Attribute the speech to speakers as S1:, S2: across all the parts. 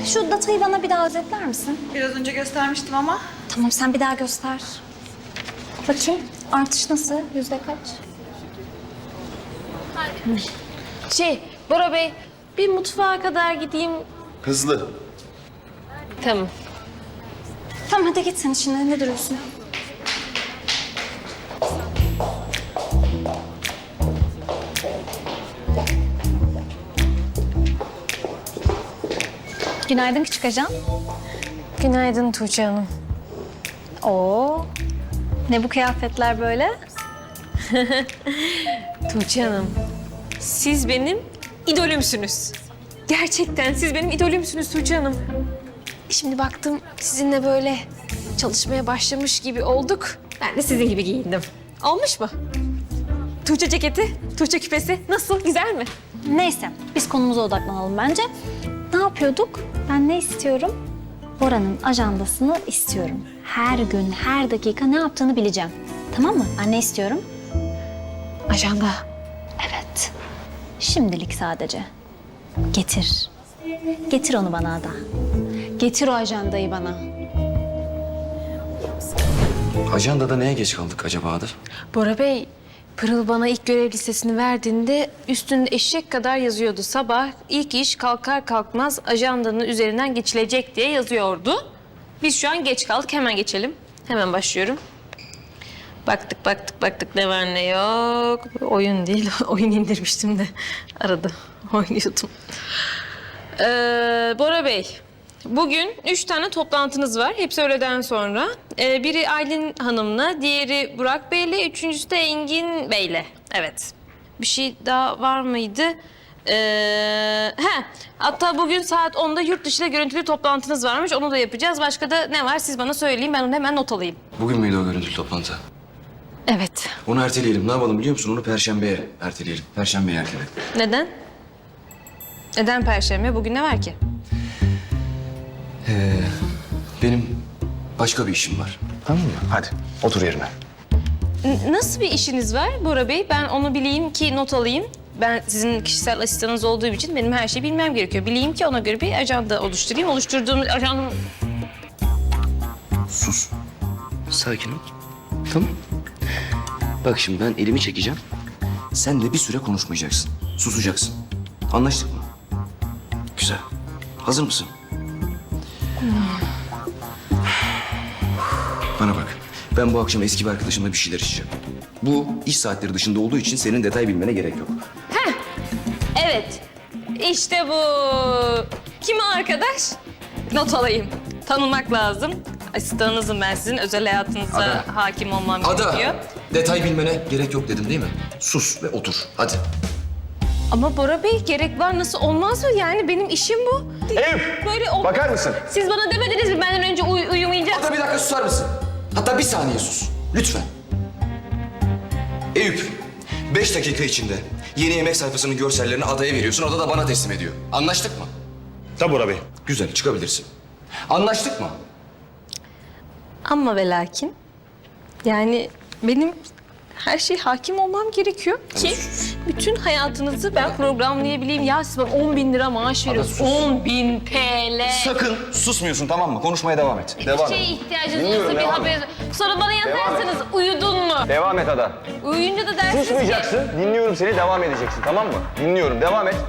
S1: Şu datayı bana bir daha özetler misin?
S2: Biraz önce göstermiştim ama.
S1: Tamam, sen bir daha göster. Bakayım, artış nasıl? Yüzde kaç?
S3: Bora Bey, bir mutfağa kadar gideyim.
S4: Hızlı.
S3: Tamam.
S1: Tamam, hadi git sen işine. Ne duruyorsun? Günaydın küçük ajan.
S3: Günaydın Tuğçe Hanım.
S1: Oo, ne bu kıyafetler böyle?
S3: Tuğçe Hanım, siz benim idolümsünüz. Gerçekten siz benim idolümsünüz Tuğçe Hanım. Şimdi baktım sizinle böyle çalışmaya başlamış gibi olduk. Ben de sizin gibi giyindim. Olmuş mu? Tuğçe ceketi, Tuğçe küpesi nasıl? Güzel mi?
S1: Neyse, biz konumuza odaklanalım bence. Ne yapıyorduk? Ben ne istiyorum? Bora'nın ajandasını istiyorum. Her gün, her dakika ne yaptığını bileceğim. Tamam mı? Ben ne istiyorum?
S3: Ajanda.
S1: Evet. Şimdilik sadece. Getir. Getir onu bana Ada. Getir o ajandayı bana.
S4: Ajandada neye geç kaldık acaba Ada?
S3: Bora Bey, Pırıl bana ilk görev listesini verdiğinde üstünde eşek kadar yazıyordu. Sabah ilk iş kalkar kalkmaz ajandanın üzerinden geçilecek diye yazıyordu. Biz şu an geç kaldık. Hemen geçelim. Hemen başlıyorum. Baktık ne var ne yok. Oyun değil, oyun indirmiştim de arada oynuyordum. Bora Bey, bugün 3 tane toplantınız var. Hepsi öğleden sonra. Biri Aylin Hanım'la, diğeri Burak Bey'le, üçüncüsü de Engin Bey'le. Evet. Bir şey daha var mıydı? Hatta bugün saat 10'da yurt dışıyla görüntülü toplantınız varmış. Onu da yapacağız. Başka da ne var siz bana söyleyin. Ben onu hemen not alayım.
S4: Bugün müydü o görüntülü toplantı?
S3: Evet.
S4: Onu erteleyelim. Ne yapalım biliyor musun? Onu Perşembe'ye erteleyelim. Perşembe'ye erteleyelim.
S3: Neden? Neden Perşembe? Bugün ne var ki?
S4: Benim başka bir işim var. Tamam mı? Hadi otur yerine.
S3: Nasıl bir işiniz var Bora Bey? Ben onu bileyim ki not alayım. Ben sizin kişisel asistanınız olduğum için benim her şeyi bilmem gerekiyor. Bileyim ki ona göre bir ajanda oluşturayım. Oluşturduğum ajanda...
S4: Sus. Sakin ol. Tamam. Bak şimdi ben elimi çekeceğim. Sen de bir süre konuşmayacaksın. Susacaksın. Anlaştık mı? Güzel. Hazır mısın? Bana bak. Ben bu akşam eski bir arkadaşımla bir şeyler içeceğim. Bu iş saatleri dışında olduğu için senin detay bilmene gerek yok.
S3: Evet. İşte bu. Kim o arkadaş? Not alayım. Tanımak lazım. Asistanınızım ben sizin. Özel hayatınıza
S4: Ada.
S3: hakim olmam
S4: Ada,
S3: gerekiyor.
S4: detay bilmene gerek yok dedim değil mi? Sus ve otur. Hadi.
S3: Ama Bora Bey gerek var nasıl olmaz mı? Yani benim işim bu.
S4: Eyüp,
S3: Böyle ol...
S4: bakar mısın?
S3: Siz bana demediniz mi benden önce uyumayacak?
S4: Hatta bir dakika susar mısın? Hatta bir saniye sus. Lütfen. Eyüp, 5 dakika içinde yeni yemek sayfasının görsellerini Ada'ya veriyorsun. Ada da bana teslim ediyor. Anlaştık mı?
S5: Tabii Bora Bey.
S4: Güzel, çıkabilirsin. Anlaştık mı?
S3: Ama ve lakin yani benim her şeye hakim olmam gerekiyor ki bütün hayatınızı ben programlayabileyim. Ya siz bana 10.000 lira maaş veriyorsunuz. 10.000 TL.
S5: Sakın susmuyorsun tamam mı? Konuşmaya devam et.
S3: Bir
S5: Devam
S3: şeye
S5: et.
S3: ihtiyacınız
S5: Dinliyorum,
S3: olursa bir
S5: devam
S3: haber... Sonra bana yazarsanız uyudun mu?
S5: Devam et Ada.
S3: Uyuyunca da dersiniz ki...
S5: Susmayacaksın. Dinliyorum seni. Devam edeceksin tamam mı? Dinliyorum. Devam et.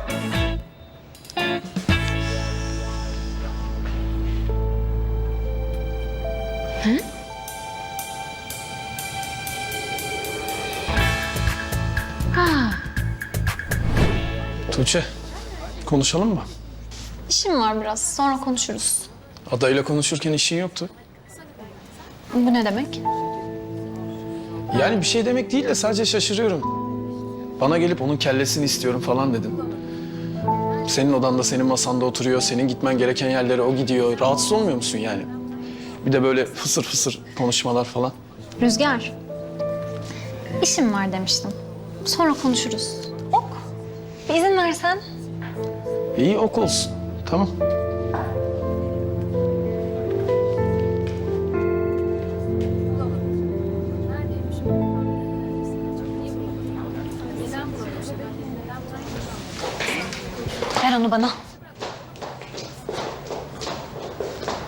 S6: Tuğçe, konuşalım mı?
S1: İşim var biraz, sonra konuşuruz.
S6: Adayla konuşurken işin yoktu.
S1: Bu ne demek?
S6: Yani bir şey demek değil de sadece şaşırıyorum. Bana gelip onun kellesini istiyorum falan dedin. Senin odanda, senin masanda oturuyor, senin gitmen gereken yerlere o gidiyor. Rahatsız olmuyor musun yani? Bir de böyle fısır fısır konuşmalar falan.
S1: Rüzgar, işim var demiştim. Sonra konuşuruz. Ok, bir izin versen.
S6: İyi, ok olsun. Tamam.
S1: Ver onu bana.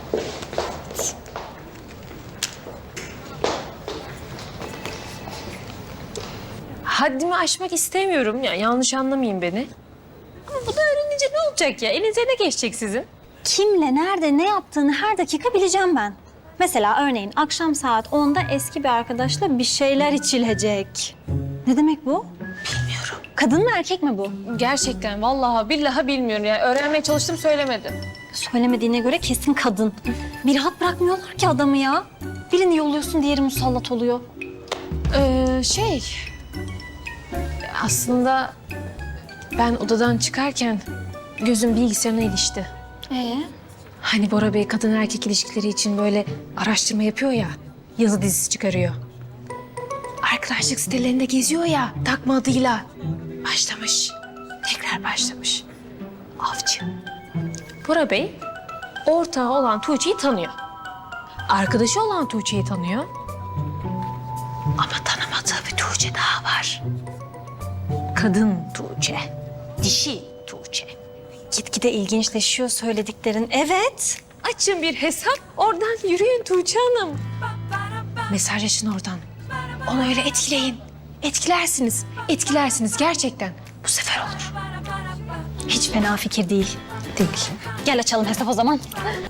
S3: Haddimi aşmak istemiyorum. Yani yanlış anlamayın beni. Ama bu da öğrenince ne olacak ya? Elinize ne geçecek sizin?
S1: Kimle, nerede, ne yaptığını her dakika bileceğim ben. Mesela örneğin akşam saat 10'da eski bir arkadaşla bir şeyler içilecek. Ne demek bu? Bilmiyorum. Kadın mı erkek mi bu?
S3: Gerçekten vallahi billahi bilmiyorum. Yani öğrenmeye çalıştım söylemedi.
S1: Söylemediğine göre kesin kadın. Bir rahat bırakmıyorlar ki adamı ya. Birini yolluyorsun, diğeri musallat oluyor.
S3: Aslında ben odadan çıkarken gözüm bilgisayarına ilişti. Hani Bora Bey kadın erkek ilişkileri için böyle araştırma yapıyor ya, yazı dizisi çıkarıyor. Arkadaşlık sitelerinde geziyor ya, takma adıyla. Başlamış, tekrar başlamış. Avcı. Bora Bey, ortağı olan Tuğçe'yi tanıyor. Arkadaşı olan Tuğçe'yi tanıyor. Ama tanımadığı bir Tuğçe daha var. Kadın Tuğçe, dişi Tuğçe.
S1: Gitgide ilginçleşiyor söylediklerin. Evet.
S3: Açın bir hesap, oradan yürüyün Tuğçe Hanım. Mesajlaşın oradan. Onu öyle etkileyin. Etkilersiniz, etkilersiniz gerçekten. Bu sefer olur.
S1: Hiç fena fikir değil.
S3: Değil.
S1: Gel açalım hesap o zaman.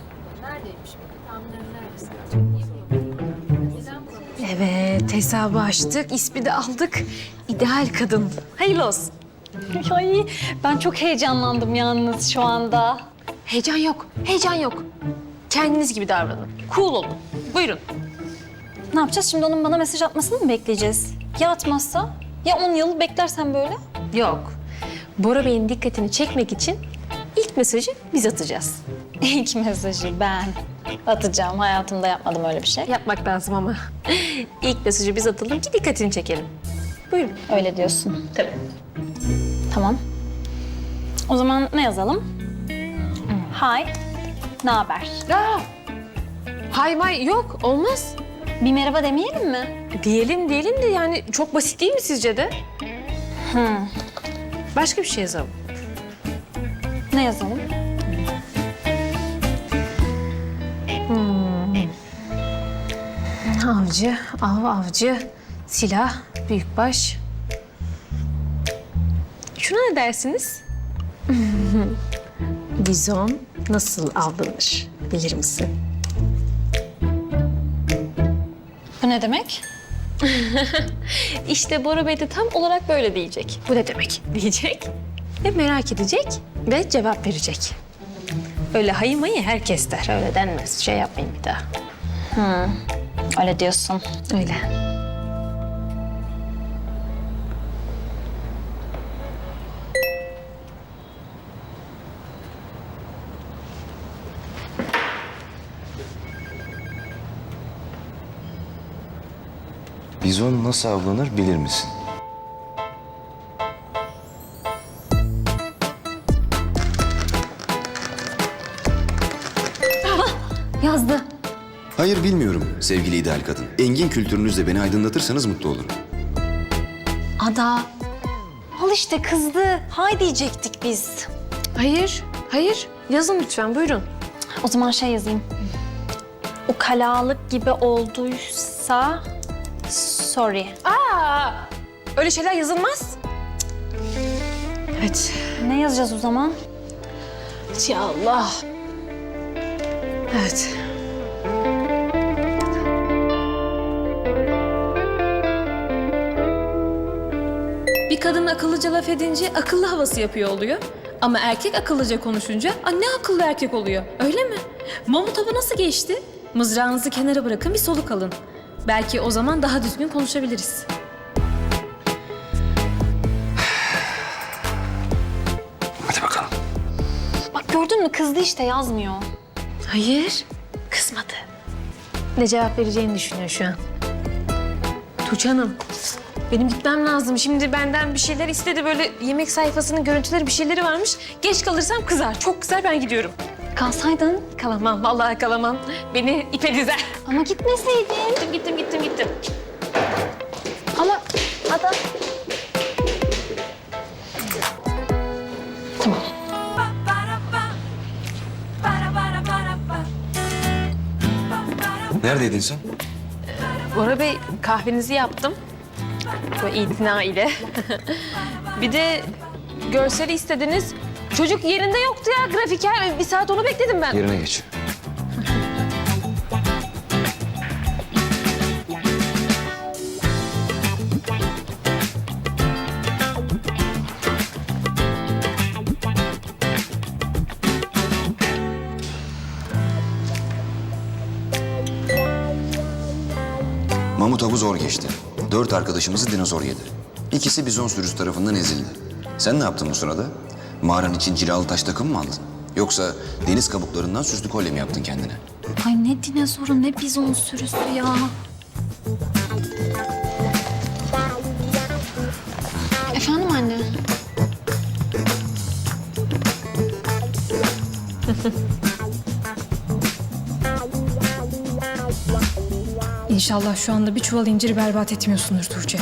S3: Evet, hesabı açtık, ismi de aldık. İdeal kadın. Hayırlı olsun.
S1: Ay, ben çok heyecanlandım yalnız şu anda.
S3: Heyecan yok, heyecan yok. Kendiniz gibi davranın. Cool olun. Buyurun.
S1: Ne yapacağız şimdi, onun bana mesaj atmasını mı bekleyeceğiz? Ya atmazsa? Ya 10 yıl beklersen böyle?
S3: Yok. Bora Bey'in dikkatini çekmek için ilk mesajı biz atacağız.
S1: İlk mesajı ben atacağım. Hayatımda yapmadım öyle bir şey.
S3: Yapmak lazım ama. İlk mesajı biz atalım ki dikkatini çekelim. Buyurun.
S1: Öyle diyorsun.
S3: Tabii.
S1: Tamam. O zaman ne yazalım? Hi, ne haber?
S3: Aa, hay may yok, olmaz.
S1: Bir merhaba demeyelim mi?
S3: Diyelim de yani çok basit değil mi sizce de? Başka bir şey yazalım.
S1: Ne yazalım?
S3: Avcı, avcı, silah, büyükbaş. Şuna ne dersiniz? Bizon nasıl avlanır bilir misin?
S1: Bu ne demek?
S3: İşte Bora Bey de tam olarak böyle diyecek. Bu ne demek diyecek ve merak edecek ve cevap verecek. Öyle hayı mayı herkes der. Öyle denmez. Şey yapmayın bir daha.
S1: Öyle diyorsun.
S3: Öyle.
S4: Bizon nasıl avlanır bilir misin?
S1: Yazdı.
S2: Hayır bilmiyorum sevgili ideal kadın. Engin kültürünüzle beni aydınlatırsanız mutlu olurum.
S1: Ada. Al işte kızdı. Hay diyecektik biz.
S3: Hayır. Yazın lütfen, buyurun.
S1: O zaman şey yazayım. Ukalalık gibi olduysa sorry.
S3: Öyle şeyler yazılmaz. Evet.
S1: Ne yazacağız o zaman?
S3: Ya Allah. Evet.
S7: Bir kadın akıllıca laf edince akıllı havası yapıyor oluyor. Ama erkek akıllıca konuşunca ne akıllı erkek oluyor, öyle mi? Mamut avı nasıl geçti? Mızrağınızı kenara bırakın, bir soluk alın. Belki o zaman daha düzgün konuşabiliriz.
S4: Hadi bakalım.
S1: Bak gördün mü, kızdı işte, yazmıyor.
S3: Hayır, kızmadı. Ne cevap vereceğini düşünüyor şu an. Tuğçe Hanım, benim gitmem lazım. Şimdi benden bir şeyler istedi. Böyle yemek sayfasının görüntüleri, bir şeyleri varmış. Geç kalırsam kızar. Çok kızar, ben gidiyorum.
S1: Kalsaydın.
S3: Kalamam, vallahi kalamam. Beni ipe dizer.
S1: Ama gitmeseydin.
S3: Gittim.
S1: Ama Ada. Tamam.
S2: Neredeydin sen?
S3: Bora Bey kahvenizi yaptım. Böyle itina ile. Bir de görseli istediniz. Çocuk yerinde yoktu ya grafiker. Bir saat onu bekledim ben.
S4: Yerine geç.
S2: Mamut avı zor geçti. 4 arkadaşımızı dinozor yedi. İkisi bizon sürüsü tarafından ezildi. Sen ne yaptın bu sırada? Mağaran için cilalı taş takım mı aldın? Yoksa deniz kabuklarından süslü kolye mi yaptın kendine?
S1: Ay ne dinozoru ne bizon sürüsü ya. Efendim anne?
S7: İnşallah şu anda bir çuval inciri berbat etmiyorsundur Tuğçe.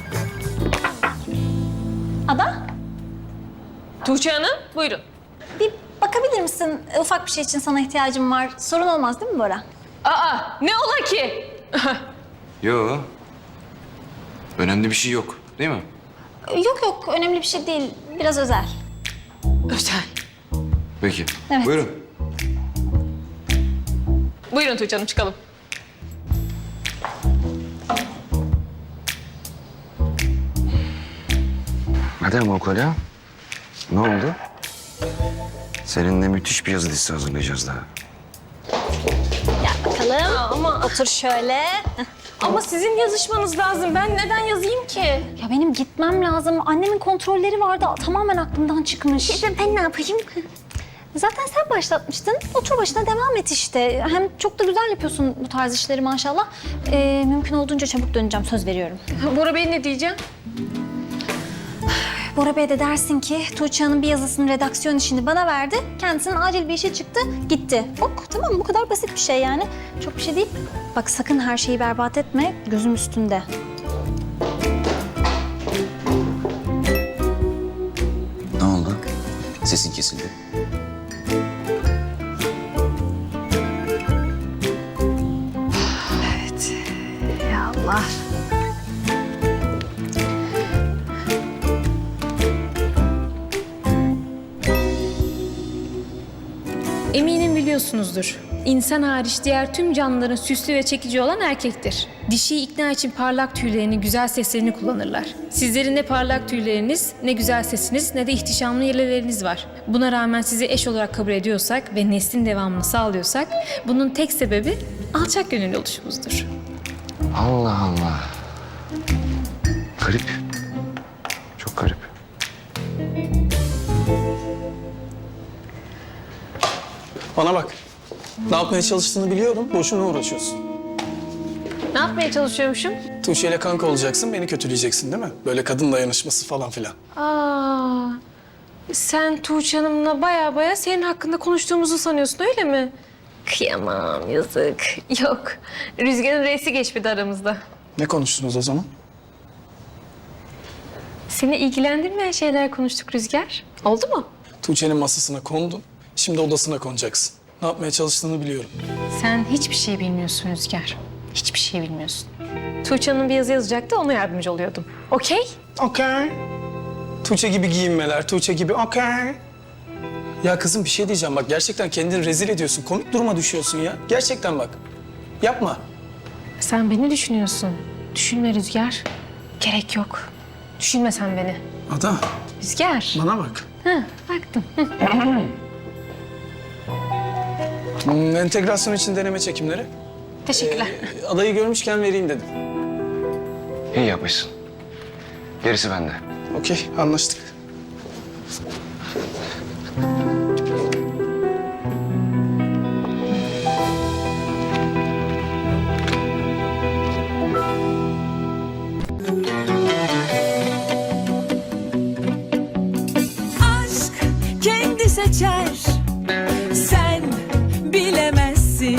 S1: Ada,
S3: Tuğçe Hanım buyurun.
S1: bir bakabilir misin? Ufak bir şey için sana ihtiyacım var. Sorun olmaz değil mi Bora?
S3: Aa ne ola ki?
S2: Yo. Önemli bir şey yok, değil mi?
S1: Yok yok, önemli bir şey değil. Biraz özel.
S3: Özel.
S2: Peki.
S1: Evet.
S2: Buyurun.
S3: Buyurun Tuğçe Hanım çıkalım.
S4: Hadi ama o kolye. Ne oldu? Seninle müthiş bir yazı dizisi hazırlayacağız daha.
S1: Bakalım.
S3: Ama
S1: Otur şöyle.
S3: ama sizin yazışmanız lazım. Ben neden yazayım ki?
S1: Ya benim gitmem lazım. Annemin kontrolleri vardı. Tamamen aklımdan çıkmış. Ben ne yapayım? Zaten sen başlatmıştın. Otur başına devam et işte. Hem çok da güzel yapıyorsun bu tarz işleri maşallah. Mümkün olduğunca çabuk döneceğim. Söz veriyorum.
S3: Bora Bey ne diyeceğim?
S1: Bora Bey de dersin ki Tuğçe Hanım bir yazısının redaksiyon işini bana verdi. Kendisinin acil bir işe çıktı, gitti. Ok tamam bu kadar basit bir şey yani. Çok bir şey değil. Bak sakın her şeyi berbat etme. Gözüm üstünde.
S2: Ne oldu? Sesin kesildi.
S1: Ya Allah.
S7: Eminim biliyorsunuzdur. İnsan hariç diğer tüm canlıların süslü ve çekici olan erkektir. Dişiyi ikna için parlak tüylerini, güzel seslerini kullanırlar. Sizlerin ne parlak tüyleriniz, ne güzel sesiniz, ne de ihtişamlı yeleleriniz var. Buna rağmen sizi eş olarak kabul ediyorsak ve neslin devamını sağlıyorsak, bunun tek sebebi alçak gönüllü oluşumuzdur.
S4: Allah Allah. Garip. Çok garip.
S6: Bana bak. Ne yapmaya çalıştığını biliyorum. Boşuna uğraşıyorsun.
S3: Ne yapmaya çalışıyormuşum?
S6: Tuğçe ile kanka olacaksın, beni kötüleyeceksin değil mi? Böyle kadın dayanışması falan filan.
S3: Aa, sen Tuğçe Hanım'la baya senin hakkında konuştuğumuzu sanıyorsun öyle mi? Kıyamam yazık. Yok. Rüzgar'ın reisi geçmedi aramızda.
S6: Ne konuştunuz o zaman?
S3: Seni ilgilendirmeyen şeyler konuştuk Rüzgar. Oldu mu?
S6: Tuğçe'nin masasına kondun. Şimdi odasına konacaksın. Ne yapmaya çalıştığını biliyorum.
S3: Sen hiçbir şey bilmiyorsun Rüzgar. Hiçbir şey bilmiyorsun. Tuğçe Hanım bir yazı yazacaktı, ona yardımcı oluyordum. Okey?
S6: Okey. Tuğçe gibi giyinmeler, Tuğçe gibi okey. Ya kızım bir şey diyeceğim bak gerçekten kendini rezil ediyorsun. Komik duruma düşüyorsun ya. Gerçekten bak. Yapma.
S3: Sen beni düşünüyorsun. Düşünme Rüzgar. Gerek yok. Düşünme sen beni.
S6: Ada
S3: Rüzgar.
S6: bana bak.
S3: Hı, baktım.
S6: Entegrasyon için deneme çekimleri.
S3: Teşekkürler.
S6: Adayı görmüşken vereyim dedim.
S4: İyi yapmışsın. Gerisi bende.
S6: Okey anlaştık.